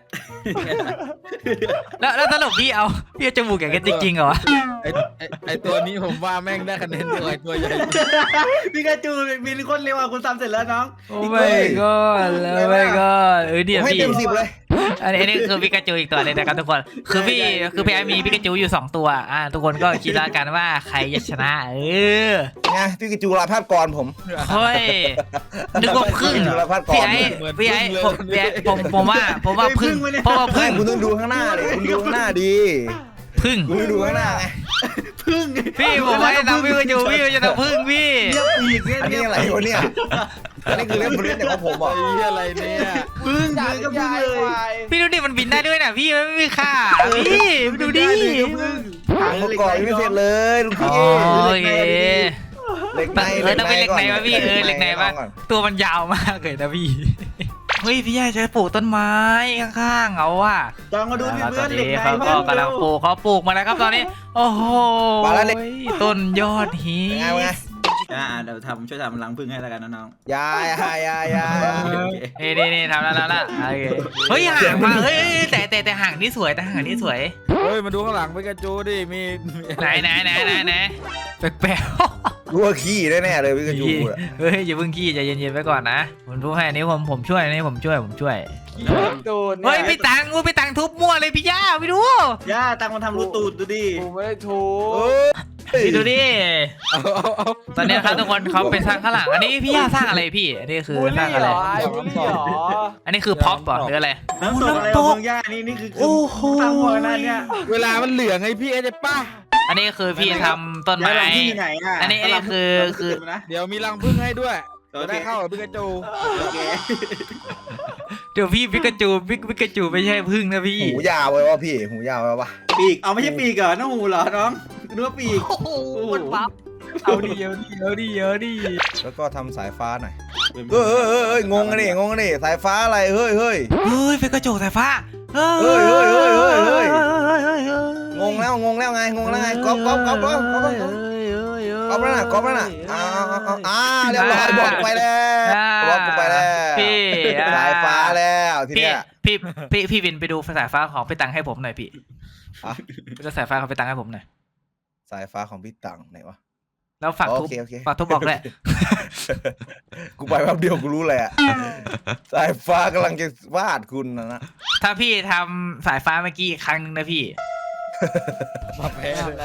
Speaker 1: แล้วแล้วสรุปพี่เอาพี่เอาจมูกอย่างกันจริงๆเหรอ
Speaker 4: ไอไอ้ไอตัวนี้ผมว่าแม่งได้คะแนนเดียวไอตัวใหญ่
Speaker 5: พี่กาจูบินคนเร็วอ่ะคุณทำเสร็จแล้วน้อง
Speaker 1: โอ้ไม่ก็แล้วไม่ก็เออเดี๋ยว
Speaker 2: ให้
Speaker 1: พี่
Speaker 2: เต็มสิบเลย
Speaker 1: อันนี้อันนี้คือปิกาจูอีกตัวเลยนะครับทุกคนคือพี่คือพี่ไอมีปิกาจูอยู่สองตัวอ่าทุกคนก็คิดแล้วกันว่าใครจะชนะเออ
Speaker 2: ไงพี่กิจูลาภาพกรผม
Speaker 1: เฮ้ยนึกว่าพึ่ง
Speaker 2: จุลภัทรก่อน
Speaker 1: พี่ไอ้พี่ไอ้ผมพี่ไอ้ผมผมว่าผมว่าพึ่งเพราะว่า
Speaker 2: พึ่
Speaker 1: พึ่
Speaker 2: ง
Speaker 1: ง
Speaker 2: คุณต้องดูข้างหน้าเลยคุณดูข้างหน้าดี
Speaker 1: พึ่ง
Speaker 2: คุณดูข้างหน้าไง
Speaker 5: พึ่ง
Speaker 1: พี่ผมไม่ทำพี่ปิกาจูพี่จะทำพึ่งพี่
Speaker 5: เรียบอีกเนี่ย
Speaker 2: อันนี้อะไรวะเนี่ยอันนี้คือเล่นบริเวณของผม
Speaker 4: ไอ้
Speaker 2: อ่ะ
Speaker 4: เหี้ยอะไรเนี่ย
Speaker 5: พึ่ง
Speaker 3: จาก
Speaker 5: พึ่งก็พึ่ง
Speaker 3: ยาย
Speaker 5: เลย
Speaker 3: ควาย
Speaker 1: พี่ดูดิมันบินได้ด้วยนะพี่มันไม่มีค่าพี่ดูดิ
Speaker 5: พึ่ง
Speaker 2: หางประกอบยังไม่เสร็จเลยลูกพี่
Speaker 1: โอเค
Speaker 2: เหล็กใน
Speaker 1: เออต้องเป็นเหล็กในวะพี่เออเหล็กในวะ
Speaker 2: ก่อน
Speaker 1: ตัวมันยาวมากเลยนะพี่เฮ้ยพี่ใหญ่จะปลูกต้นไม้ข้างๆเอาว่ะ
Speaker 5: ลองมาดูดิ
Speaker 1: ต
Speaker 5: เพื่
Speaker 1: อ
Speaker 5: อน
Speaker 1: น
Speaker 5: เหล็ก
Speaker 1: นี้
Speaker 5: ใน
Speaker 1: เขาก็กำลังปลูกเขาปลูกมาแล้วครับตอนนี้ โอ้โหต้นยอดฮิ
Speaker 2: เป็นไงเป็นไง
Speaker 5: อ่าเดี๋ยวทำช่วยทำรังพึ่งให้แล้วกันนะน้อง
Speaker 2: ยายายายา
Speaker 1: นี่นี่นี่ทำแล้วแล้วละโอเคเฮ้ยห่างมาเฮ้ยแต่แต่แต่ห่างนี่สวยแต่ห่างนี่สวย
Speaker 4: เฮ้ยมาดูข้างหลังปิกาจูดิมีมี
Speaker 1: ไหนไหนไหนไหนไหนแปลก
Speaker 2: รู้ว่าขี้แน่ๆเลยพี่กิจูอ่ะ
Speaker 1: ๆเฮ้ยอย่าเพิ่งขี้ใจเย็นๆไว้ก่อนนะผมรู้ให้อันนี้ผมผมช่วยอันนี้ผมช่วยผมช่วย
Speaker 3: โดน
Speaker 1: เฮ้ยพี่ตังกูพี่ตังทุบมั่วเลยพี่ย่าไปดู
Speaker 5: ย่าตังมันทำรูตูดดูดิ
Speaker 3: กูไม่ได้ถู
Speaker 2: โอ้
Speaker 3: ก
Speaker 2: ย
Speaker 1: พี่ดูดิ
Speaker 4: เอาเอาเอา
Speaker 1: ตอนนี้ครับทุกคนเขาไปสร้างข้างหลังอันนี้พี่ย่าสร้างอะไรพี่อันนี้คือ
Speaker 3: บูล
Speaker 1: สร้าง
Speaker 3: ลี่
Speaker 1: อะไร
Speaker 3: เหรอไอ้บูลลี่เหรอ
Speaker 1: อันนี้คือพ็อปป่ะหรืออะไร
Speaker 5: น้ำตกอะไรของเมืองย่านี่นี่คือคือสร้างหัวนั่นเนี่ย
Speaker 4: เวลามันเหลืองไงพี่ไอ้เจ๊ป้า
Speaker 1: อันนี้คือพี่ทำต้น
Speaker 5: ย่า
Speaker 1: ไม้
Speaker 5: หลังที่ไหนอ่ะ
Speaker 1: อันนี้อันนี้คือคือ
Speaker 5: นะ
Speaker 4: เดี๋ยวมีรังผึ้งให้ด้วยจะได้เข้ากับปิกาจู
Speaker 5: โอเค
Speaker 1: เดี๋ยวพี่ปิกาจูปิกปิกาจูไม่ใช่พึ่งนะพี่
Speaker 2: หูยาวไว้วะพี่หูยาวไว้วะ
Speaker 5: ปีกเอาไม่ใช่ปีกเหรอน้องหูเหรอน้องนึกว่าปีก
Speaker 1: โอ้โหมันปั๊บเอาดิเอาดิเอาดิเอาดิ
Speaker 2: แล้วก็ทำสายฟ้าหน่อยเฮ้ยเฮ้ยเฮ้ยเฮ้ยงงกันดิงงกันดิสายฟ้าอะไรเฮ้ยเฮ้ย
Speaker 1: เฮ้ยปิกาจูสายฟ้าเฮ้
Speaker 2: เฮ้ยเฮ้ยเฮ้ยเฮ้ยเฮ้ย
Speaker 1: เฮ้ย
Speaker 2: งงแล้วงงแล้วไงงงแล้วไงก๊อปก๊อปก๊อปก๊อปก๊อปก๊อปก๊อปแล้วน่ะก๊อปแล้วน่ะอ้าวอ้าวอ้าวเรียบร้อยบอกไปแล้วบอกกูไปแล้ว
Speaker 1: พี่
Speaker 2: สายฟ้าแล้วที
Speaker 1: พี่
Speaker 2: เนี้ย
Speaker 1: พี่พี่พี่วินไปดูสายฟ้าของพี่ตังให้ผมหน่อยพี่
Speaker 2: อ่ะ
Speaker 1: ไปดูสายฟ้าของพี่ตังให้ผมหน่อย
Speaker 2: สายฟ้าของพี่ตังไหนวะ
Speaker 1: แล้วฝากทุบ
Speaker 2: โอเคโอเค
Speaker 1: ฝากทุบบอกด้วย
Speaker 2: กูไปแป๊บเดียวกูรู้เลยอะสายฟ้ากำลังจะวาดคุณนะนะ
Speaker 1: ถ้าพี่ทำสายฟ้าเมื่อกี้อีกครั้งนึงนะพี่
Speaker 4: มาแพ้
Speaker 3: ไม่
Speaker 4: เลย
Speaker 3: ทำแล้ว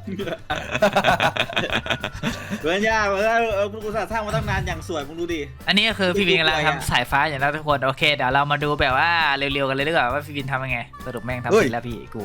Speaker 5: เพื่อนย่าเออเออกูสร้างสร้างมาตั้งนานอย่างสวยมึงดูดิ
Speaker 1: อันนี้ก็คือพี่วินกำลังทำสายฟ้าอย่างนั้นทุกคนโอเคเดี๋ยวเรามาดูแบบว่าเร็วๆกันเลยดีกว่าว่าพี่วินทำยังไงสรุปแม่งทำเสร็จแล้วพี่กู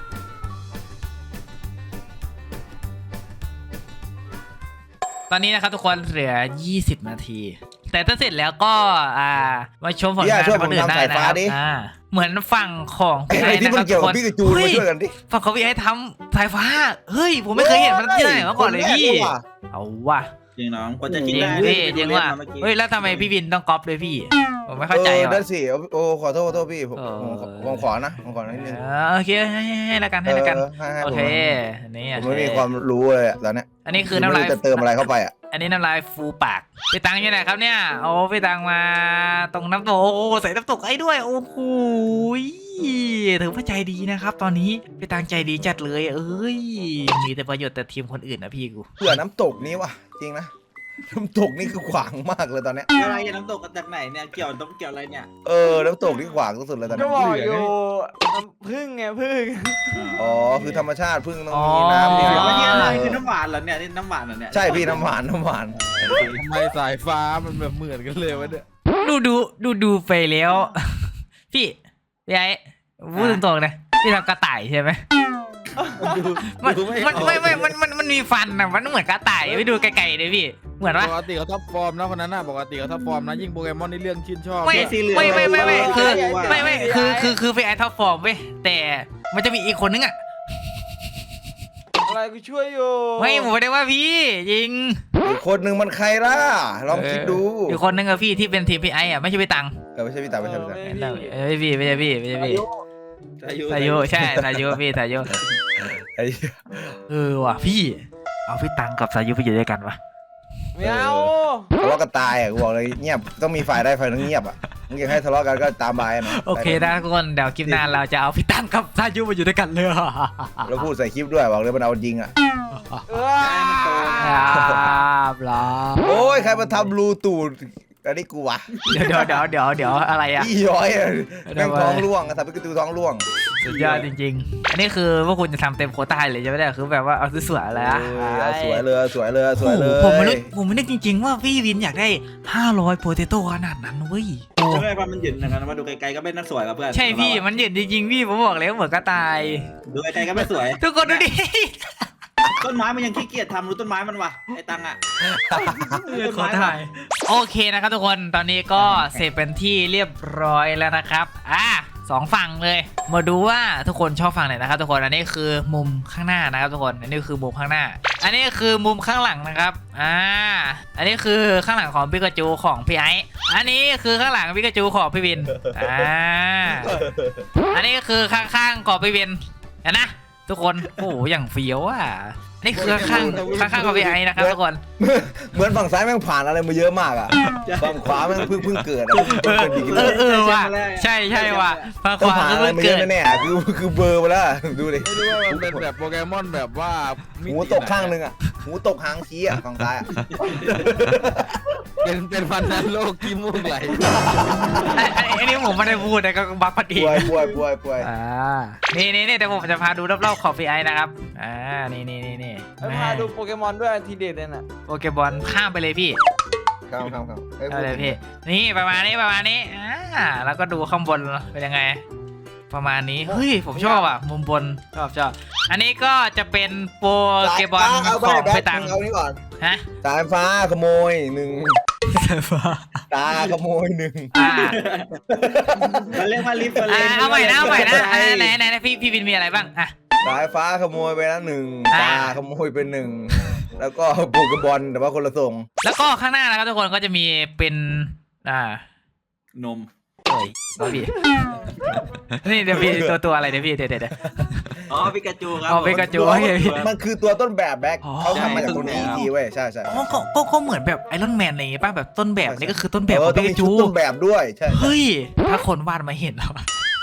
Speaker 1: ตอนนี้นะครับทุกคนเหลือยี่สิบนาที แต่ถ้าเสร็จแล้วก็อ่ามาชมผลงานของคนอื่นได้นะครับอ่าเหมือนฝั่งของ
Speaker 2: ไอ้
Speaker 1: พี่
Speaker 2: ไอ้
Speaker 1: ไอ้
Speaker 2: ที่
Speaker 1: นะ
Speaker 2: มั
Speaker 1: คน รับ
Speaker 2: เกี่
Speaker 1: ทุ
Speaker 2: ยว
Speaker 1: กค
Speaker 2: กับ
Speaker 1: น
Speaker 2: พี่กับจูนมาช่วยกันดิ
Speaker 1: ฝั่งของพี่ไอ้ทำสายฟ้าเฮ้ยผมไม่เคยเห็นมันที่ไหนมาก่อนเลยพี่เอาว่ะ
Speaker 5: จริงน้องกว่าจะ
Speaker 1: จ
Speaker 5: กิ
Speaker 1: ริ
Speaker 5: น
Speaker 1: ง
Speaker 5: ได้
Speaker 1: พี่จริงว่ะเฮ้ยแล้วทำไมพี่วินต้องก๊อปด้วยพี่ผมไม่เข้าใจ
Speaker 2: ออ
Speaker 1: ว่ะ
Speaker 2: นั่นสิโอ้ขอโทษขอโทษพี่ผม
Speaker 1: เออ
Speaker 2: ผมผมขอนะผมขอนิดนึง
Speaker 1: เออโอเคให้ให้ให้ละกันให้ละกัน
Speaker 2: เออให้ให้
Speaker 1: โอ
Speaker 2: ผม
Speaker 1: เค
Speaker 2: นะ
Speaker 1: อันนี้
Speaker 2: ผมไม่มีความรู้เลยอะตอนเนี้ย
Speaker 1: อันนี้คือน้ำลาย
Speaker 2: ไม่รู้จะเติมอะไรเข้าไปอ่ะ
Speaker 1: อันนี้น้ำลายฟูปากพี่ตังอยู่ไหนครับเนี่ยโอ้พี่ตังมาตรงน้ำตกโอ้ใส่น้ำตกไอ้ด้วยโอ้โหถือว่าใจดีนะครับ ตอนนี้พี่ตังใจดีจัดเลยเอ้ยมีแต่ประโยชน์แต่ทีมคนอื่นนะพี่กู
Speaker 2: เผื่อน้ำตกนี้ว่ะจริงนะน้ำตกนี่คือขวางมากเลยตอนเนี้ย
Speaker 5: อะไรน้ำตกจากไหนเนี่ยเกี่ยวต้องเกี่ยวอะไรเนี่ย
Speaker 2: เออน้ำตกนี่ขวางสุดๆเลยตอน
Speaker 3: ก็
Speaker 2: นี้
Speaker 3: บอกอยู่น้ำพึ่งไงพึ่ง
Speaker 2: อ๋อคือธรรมชาติพึ่งต้องมีน้ำ
Speaker 5: เดี๋
Speaker 2: นี่
Speaker 5: ยวว่านี่อะไรคือน้ำหวานเหรอเนี่ยนี่น้ำหวานเหรอเนี่ย
Speaker 2: ใช่พี่น้ำหวานน้ำหวาน
Speaker 4: ทำไมสายฟ้ามันแบบเหมือนกันเลยวะเนี่ย
Speaker 1: ดูดูดูดูไปแล้ว พี่พี่ไอ้พูดตรงๆนะพี่ทำกระต่ายใช่ไหม มัน
Speaker 4: ดู
Speaker 1: มันไม่ไม่มันมันมันมีฟันนะมันเหมือนกระต่ายไปดูไกลๆเลยพี่เหมือนว่า
Speaker 4: ปกติเขาท็อปฟอร์มนะคนนั้นน่ะปกติเขาท็อปฟอร์มนะยิ่งโปเกมอนในเรื่องชื่นชอบ
Speaker 1: ไม่
Speaker 4: ด้วย
Speaker 5: สีเหลือง
Speaker 1: ไม่ไม่ไม่ไม่คือ
Speaker 5: เ
Speaker 1: ไม่ไม่คือคือคือพี่ไอ้ท็อปฟอร์มเว้ยแต่มันจะมีอีกคนนึงอ่ะ
Speaker 3: เออะไรกูช่วยอยู่
Speaker 1: ไม่ผมไม่ได้ว่าพี่ยิง
Speaker 2: อีกคนหนึ่งมันใครล่ะลองคิดดู
Speaker 1: อีกคนนึงกับพี่ที่เป็นทีมพี่ไอ้อะไม่ใช่พี่ตัง
Speaker 2: เออไม่ใช่พี่ตาไม่ใช่พี่ตา
Speaker 1: เออไม่พี่ไม่ใช่พี่ไม่ใช่พี่
Speaker 5: อายุ
Speaker 1: สายุใช่สายุพี่สายุ
Speaker 2: ไอ้
Speaker 1: เออว่ะพี่เอาพี่ตังกับสายุไปอยู่ด้วยกันวะ
Speaker 3: ไม่เอา
Speaker 2: ทะเลาะกันตายอ่ะกูบอกเลยเงียบต้องมีฝ่ายได้ฝ่ายนึงเงียบอ่ะมึงอยากให้ทะเลาะกันก็ตามบายนะ
Speaker 1: โอเคนะทุกคนเดี๋ยวคลิปหน้าเราจะเอาพี่ตังกับสายุมาอยู่ด้วยกันเลย
Speaker 2: แล้วพูดใส่คลิปด้วยบอกเลยมันเอาจริงอ่ะ
Speaker 3: เออ
Speaker 1: ครับล่ะ
Speaker 2: โอ้ยใครมาทำรูตูดอันนี้กูวะ
Speaker 1: เดี๋ยวเดี๋ยวเดี๋ยวเดี๋ยวเดี๋ยวอะไรอะ
Speaker 2: พี่ย้อยอะแม่งท้องร่วงอะทำให้กระตูท้องร่วง
Speaker 1: สุดยอดจริงๆ อันนี้คือพวกคุณจะทำเต็มโควต้าเลยใช่ไหมเนี่ยคือแบบว่าเอาสวยๆเลยอะ
Speaker 2: เออสวยเลยสวยเลยสวยเลย
Speaker 1: โอ้โหผมไม่นึกผมไม่นึกจริงๆว่าพี่วินอยากได้ห้าร้อยโปเตโต้ขนาดนั้นเว้ยโอ้
Speaker 5: ใช่ไหมความมันหยืนนะครับมาดูไกลๆก็ไม่น่าสวยกับเพื่อน
Speaker 1: ใช่พี่มันเห็นจริงๆพี่ผมบอกเลยว่าเหมือนกระต่าย
Speaker 5: ดูไกลๆก็ไม่สวย
Speaker 1: ทุกคนดูดิ
Speaker 5: ต้นไม้มันยังขี้เกียจทำรู้ต้นไม้มันวะไอ้ตังอ่ะ
Speaker 1: ขอถ่ายโอเคนะครับทุกคนตอนนี้ก็เสร็จเป็นที่เรียบร้อยแล้วนะครับอ่ะสองฝั่งเลยมาดูว่าทุกคนชอบฝั่งไหนนะครับทุกคนอันนี้คือมุมข้างหน้านะครับทุกคนอันนี้คือมุมข้างหน้า อันนี้คือมุมข้างหลังนะครับอ่าอันนี้คือข้างหลังของปิกาจูของพี่ไอซ์อันนี้คือข้างหลังปิกาจูของพี่วินอ่าอันนี้คือข้างๆของพี่วินเห็นนะทุกคนโอ้โหอย่างเฟี้ยวอ่ะนี่คือข้างๆข้างๆของพี่ไอซ์นะครับทุกคน
Speaker 2: เหมือนฝั่งซ้ายแม่งผ่านอะไรมาเยอะมากอ่ะฝั่งขวาแม่งเพิ่งเพิ่งเกิดอะเพิ่ง
Speaker 1: เออ
Speaker 2: เกิดดี
Speaker 1: เออเออว่ะใช่ใช่ว่ะฝั่งข
Speaker 2: ต้อง
Speaker 1: วา
Speaker 2: ผ่าน
Speaker 1: ก็
Speaker 2: อะไร
Speaker 1: เพิ่ง
Speaker 2: มาเย
Speaker 1: เกิ
Speaker 2: อะ
Speaker 1: ด
Speaker 2: แน่ๆคือคือเบลอร์ไปแล้วดูดิ
Speaker 4: ไม่รู้ว่ามันเป็นแบบโปเกมอนแบบว่า
Speaker 2: หูตกข้างนึงอ่ะหูตกหางชี้อ่ะฝั่งซ้ายอ่ะ
Speaker 4: เป็นเป็นฟันนันโลกขี้มูกไหล
Speaker 1: ไอ้ไอ้ไอ้นี่ผมไม่ได้พูดนะก็บักพอดี
Speaker 2: ป่วยป่วยป่วยป่วย
Speaker 1: อ่านี่นี่นี่เดี๋ยวผมจะพาดูรอบๆของพี่ไอซ์นะครับอ่านี่นี่นี่นี่
Speaker 3: แล้วพาดูโปเกมอนด้วยทีเด็ดเลยน่ะ
Speaker 1: โปเกบอลข้ามไปเลยพี่
Speaker 2: ครับครับครับอ้
Speaker 1: เอาเลยพี่นี่ประมาณนี้ประมาณนี้อ่าแล้วก็ดูข้างบนเป็นยังไง ประมาณนี้เฮ้ยผมชอบอ่ะมุมบนชอบชอบอันนี้ก็จะเป็นโปเกบอล
Speaker 2: เอา
Speaker 1: ของ
Speaker 2: ไป
Speaker 1: พี่ตัง
Speaker 2: เอานี่ก่อน
Speaker 1: ฮะ
Speaker 2: สายฟ้าขโมยหนึ่งตาขโมยหนึ่ง
Speaker 1: อ่า
Speaker 5: มันเรียกว่าลิฟต์
Speaker 1: อ่าเอาใหม่นะเอาใหม่นะอ่าไหนไหนไหนพี่พี่วินมีอะไรบ้างอ่ะ
Speaker 2: สายฟ้าขโมยไปแล้วหนึ่ง
Speaker 1: อ่า
Speaker 2: ตาขโมยไปหนึ่งแล้วก็โปเกบอลแต่ว่าคนละทรง
Speaker 1: แล้วก็ข้างหน้านะครับทุกคนก็จะมีเป็นอ่าน
Speaker 5: ม
Speaker 1: เฮ้ยเอาพี่ นี่เดี๋ยวพี่ตัวตัวอะไรเดี๋ยวพี่เดี๋ยวเดี๋ยวเดี๋ยว
Speaker 5: อ๋อปิกาจูครับ
Speaker 1: อ๋อปิกาจู โอเคพี่
Speaker 2: มันคือตัวต้นแบบแบ็ค
Speaker 1: อ๋อ
Speaker 2: เขาทำมาจากตัวนี้อีกทีเว้ยใช่ใช่
Speaker 1: อ๋อก็ก็ก็เหมือนแบบไอรอนแมนอะไรอย่างงี้ป่ะแบบต้นแบบนี่ก็คือต้นแบบ
Speaker 2: เอ
Speaker 1: ข
Speaker 2: อ
Speaker 1: อง
Speaker 2: ต้
Speaker 1: ปิ
Speaker 2: องมี
Speaker 1: กา
Speaker 2: ชุ
Speaker 1: จู
Speaker 2: ดต้นแบบด้วยใช่
Speaker 1: เฮ้ยถ้าคนวาดมาเห็นแล้ว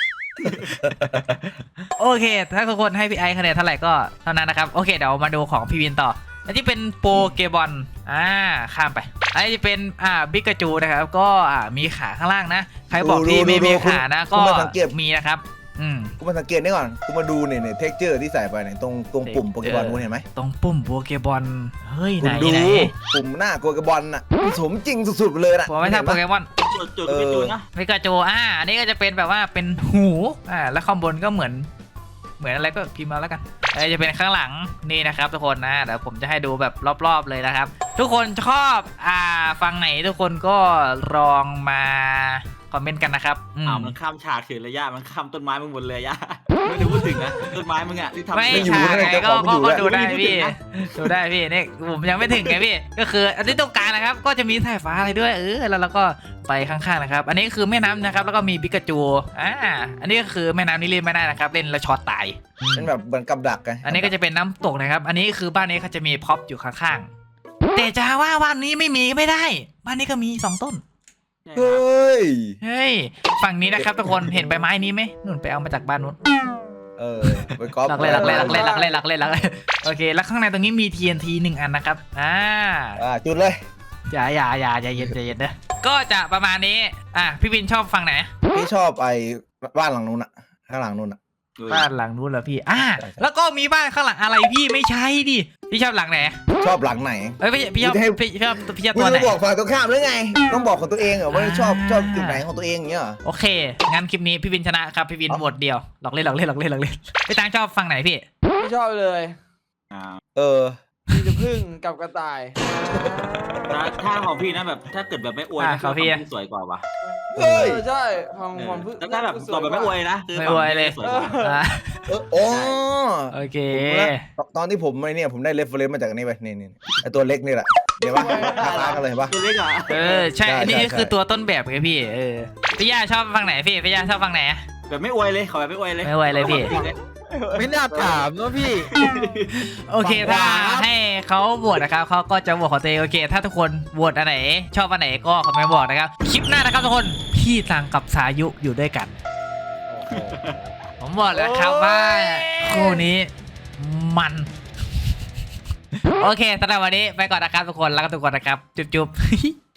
Speaker 1: โอเค ถ้าทุกคนให้พี่ไอซ์คะแนนเท่าไหร่ก็เท่านั้นนะครับโอเคเดี๋ยวมาดูของพี่วินต่ออันที่เป็นโปเกบอลอ่าข้ามไปอันนี้จะเป็นอ่าปิกาจูนะครับก็อ่ามีขาข้างล่างนะใครบอกที่ไม่มีขานะก็มีนะครับอืม
Speaker 2: กูมาสังเกตนี่ก่อนกูมาดูเนี่ยเนี่ยเท็กเจอร์ที่ใส่ไปเนี่ยตรงตรงปุ่มโปเกบอลกูเห็นไหม
Speaker 1: ตรงปุ่มโปเกบอลเฮ้ยไหน
Speaker 2: คุณดู
Speaker 1: ไหน
Speaker 2: ปุ่มหน้าโปเกบอลน่ะสมจริงสุดๆไปเลยนะ
Speaker 1: ผมไม่ใช่โปเกมอน
Speaker 5: จุดจุดปิกาจูนะ
Speaker 1: ปิกาจูอ่าอันนี้ก็จะเป็นแบบว่าเป็นหูอ่าแล้วข้างบนก็เหมือนเหมือนอะไรก็พิมพ์มาแล้วกันเอ้ยจะเป็นข้างหลังนี่นะครับทุกคนนะเดี๋ยวผมจะให้ดูแบบรอบๆเลยนะครับ ทุกคนชอบอ่าฟังไหนทุกคนก็ลองมาคอมเมนต์กันนะครับอืม
Speaker 5: อ้าวมันข้ามฉากถึงระยะมันข้ามต้นไม้มึงหมดเลยย่าไม่ได้พูดถึงนะต้นไม้มึงอ่ะที่ทำ
Speaker 1: ไม่
Speaker 2: ไม่อยู่
Speaker 1: ใช่
Speaker 2: นะ
Speaker 1: ไง
Speaker 2: เจ้า
Speaker 1: ก็
Speaker 2: ของไม่
Speaker 1: ก็
Speaker 2: อยู่
Speaker 1: ก็
Speaker 2: แล้ว
Speaker 1: ดูได้พี่ดูได้พี่นี่ผมยังไม่ถึงไงพี่ก็คืออันที่ตรงกลางนะครับก็จะมีสายฟ้าอะไรด้วยเออแล้วเราก็ไปข้างๆนะครับอันนี้คือแม่น้ำนะครับแล้วก็มีปิกาจูอ่าอันนี้ก็คือแม่น้ำนี่เล่นไม่ได้นะครับเล่นแล้วช็อตตาย
Speaker 2: เป็นแบบเหมือนกับดักไง
Speaker 1: อันนี้ก็จะเป็นน้ำตกนะครับอันนี้คือบ้านนี้เขาจะมีพ็อปอยู่ข้างๆแต่จะว่าบ้านนี้ไม่มีไม่ได้บ้านนี้ก็มีสองต้น
Speaker 2: เฮ้ย
Speaker 1: เฮ้ยฝั่งนี้นะครับทุกคนเห็นใบไม้นี้ไหมนุ่นไปเอามาจากบ้านนู้น
Speaker 2: เออไปก๊อป
Speaker 1: หลักเลยหลักเลยหลักเลยหลักเลยหลักเลยหลักเลยโอเคแล้วข้างในตรงนี้มี ที เอ็น ที หนึ่งอันนะครับอ่า
Speaker 2: อ่าจุดเลย
Speaker 1: อย่าอย่าอย่าอย่าเย็นใจเย็นนะก็จะประมาณนี้อ่ะพี่วินชอบฝั่งไหน
Speaker 2: พี่ชอบไอ้บ้านหลังนู้นอะข้างหลังนู้นอะ
Speaker 1: บ้านหลังนู้นเหรอพี่อ่า
Speaker 2: ใช่ใช่
Speaker 1: แล้วก็มีบ้านข้างหลังอะไรพี่ไม่ใช่ดิพี่ชอบหลังไหน
Speaker 2: ชอบหลังไหน
Speaker 1: เอ้ยพี่พี่ชอบ
Speaker 2: กูจะให้
Speaker 1: พี่ชอบพี่ชอบ
Speaker 2: กู
Speaker 1: ตัวไหน
Speaker 2: จะบอกฝ่ายตรงข้ามหรือไง ต้องบอกของตัวเองเหรอว่า
Speaker 1: อ่า
Speaker 2: ชอบชอบจุดไหนของตัวเองอย่างเงี้ยเหรอ
Speaker 1: โอเคงั้นคลิปนี้พี่วินชนะครับพี่วิน
Speaker 2: เอ้า
Speaker 1: โหวตเดียวหลอกเล่นหลอกเล่นหลอกเล่นหลอกเล่นพี่ตังชอบฝั่งไหนพี่
Speaker 3: ไม่ชอบเลย
Speaker 5: อ่า
Speaker 2: เออ
Speaker 3: มีแต่พึ่งกับกระต่าย
Speaker 5: นะถ้าของพี่นะแบบถ้าเกิดแบบไม่อวย
Speaker 1: อ่ะ
Speaker 5: นะ
Speaker 1: ของพี่อะ
Speaker 5: สวยกว่าว่ะ
Speaker 2: เฮ้ย
Speaker 3: เออใช่ของ
Speaker 5: เออ
Speaker 3: ของพึ่ง
Speaker 5: แต่ถ้าแบบตอบแบบไม่อวยนะคือ
Speaker 1: ไม่อวยเลย
Speaker 5: สวยกว่า
Speaker 1: อ่ะ
Speaker 2: เออโอ้
Speaker 1: โอเค
Speaker 2: ผมรู้แล้วตอนที่ผมไอ้เนี่ยผมได้เรฟเฟรนซ์มาจากอันนี้ไปนี่นี่ไอตัวเล็กนี่แหละเดี๋ยวว่าคล้ายๆกันเลยเห็นปะ
Speaker 5: ตัวเล็กอ่ะ
Speaker 1: เออใช่
Speaker 2: ใช่
Speaker 1: อันนี้
Speaker 2: ใช่
Speaker 1: คือ
Speaker 2: ใช่
Speaker 1: ตัวต้นแบบไงพี่เออพี่ย่าชอบฟังไหนพี่พี่ย่าชอบฟังไหน
Speaker 5: แบบไม่อวยเลยขอแบบไม่อวยเลย
Speaker 1: ไม่อวยเลยพี่
Speaker 4: ไม่น่าถามนะพี่
Speaker 1: โอเคถ้าให้เขาโหวตนะครับเขาก็จะโหวตของตัวเองโอเค ถ้าทุกคนโหวตอันไหน ชอบอันไหนก็คอมเมนต์บอกนะครับคลิปหน้านะครับทุกคนพี่ตังกับสายุอยู่ด้วยกัน ผมบอกแล้วครับว่าคู่นี้มัน โอเคสำหรับวันนี้ไปก่อนนะครับทุกคนแล้วก็ทุกคนนะครับ จุ๊บๆ